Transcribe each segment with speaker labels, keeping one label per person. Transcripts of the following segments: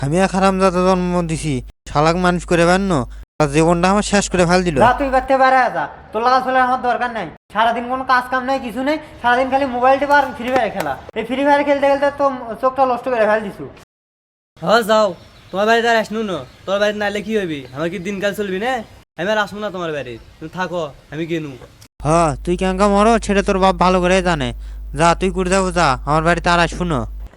Speaker 1: আমি এক হারামজাদা জন্ম দিছি, শালাক মানুষ করে পারনো, জীবনটা আমার শেষ করে ফেল দিল।
Speaker 2: যা তুই করতে পারে যা, তোর লাগা চলে আমার দরকার নাই। সারাদিন কোনো কাজ কাম নাই, কিছু নেই, সারাদিন খালি মোবাইল টিপা আর ফ্রি ফায়ার খেলা। এই ফ্রি ফায়ার খেলতে খেলতে তো চোখটা নষ্ট করে ফেল দিছু।
Speaker 3: হ্যাঁ যাও, তোমার বাড়িতে আর আসনু না। তোর বাড়িতে নাইলে কি হবি? আমার কি দিনকাল চলবি না? আমি আর আসবো না তোমার বাড়ি, তুমি থাকো, আমি গেনু।
Speaker 1: তুই কেঙ্কা মরো ছেড়ে তোর বাপ ভালো করে জানে। যা তুই করে যাবো, যা আমার বাড়িতে আর শুনো।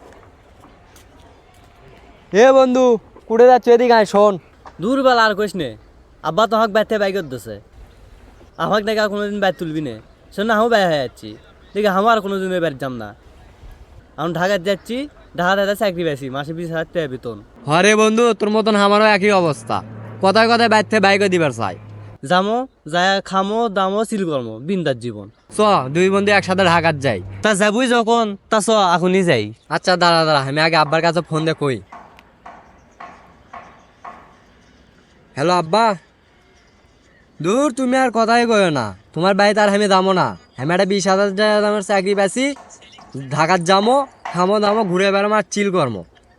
Speaker 4: এ বন্ধু, কুড়ে যাচ্ছ, এদিকে আয় শোন।
Speaker 3: দূরবেলা আর কইস নে, আব্বা তো আমাকে বাইতে বাইক দিছে, আমাকে নাকি আর কোনোদিন বাইর তুলবি না। শোন না, আমিও বাইর হয়ে যাচ্ছি, দেখি আমার আর কোনোদিন বাইর যাম না। আমি ঢাকায় যাচ্ছি, ঢাকাতে চাকরি পাইছি, মাসে 20,000 টাকা বেতন।
Speaker 4: হরে বন্ধু, তোর মতন আমারও একই অবস্থা। কথায় কথায় বাইতে বাইকও দিবার চাই।
Speaker 3: যামো, যায় খামো দামো চিল করমো, বিন্দার জীবন।
Speaker 4: চ, দুই বন্ধু একসাথে ঢাকাত যাই।
Speaker 3: তা যাবই যখন, তা চ এখনই যাই।
Speaker 4: আচ্ছা দাঁড়া দাঁড়া, আমি আগে আব্বার কাছে ফোন দিয়ে কই। হ্যালো আব্বা। দূর, তুমি আর কথাই কইও না, তোমার বাড়িতে আর আমি যাবো না। আমি একটা 20,000 টাকা দামের চাকরি পাইছি, ঢাকাত যাবো, খামো দামো, ঘুরে বেড়ামো আর চিল করমো।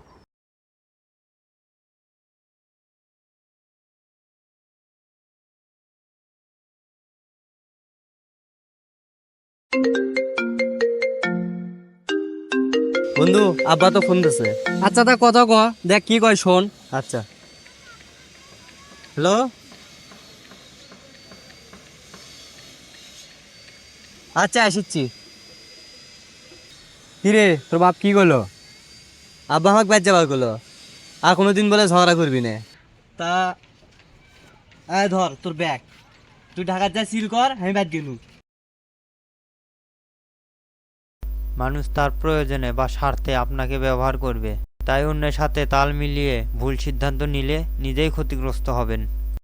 Speaker 3: বন্ধু, আব্বা তো ফোন দিছে।
Speaker 4: আচ্ছা তা কথা ক, দেখ কি কয় শোন।
Speaker 3: আচ্ছা, হ্যালো। আচ্ছা আসিচ্ছি।
Speaker 4: কিরে, তোর বাপ কি করলো?
Speaker 3: আব্বা আমাকে বাইর যাবার করলো, আর কোনোদিন বলে ঝগড়া করবি না। তা আয় ধর তোর ব্যাগ, তুই ঢাকার যা সিল কর, আমি বাইর গেলু।
Speaker 1: মানুষ তার প্রয়োজনে বা স্বার্থে আপনাকে ব্যবহার করবে, তাই অন্যের সাথে তাল মিলিয়ে ভুল সিদ্ধান্ত নিলে নিজেই ক্ষতিগ্রস্ত হবেন।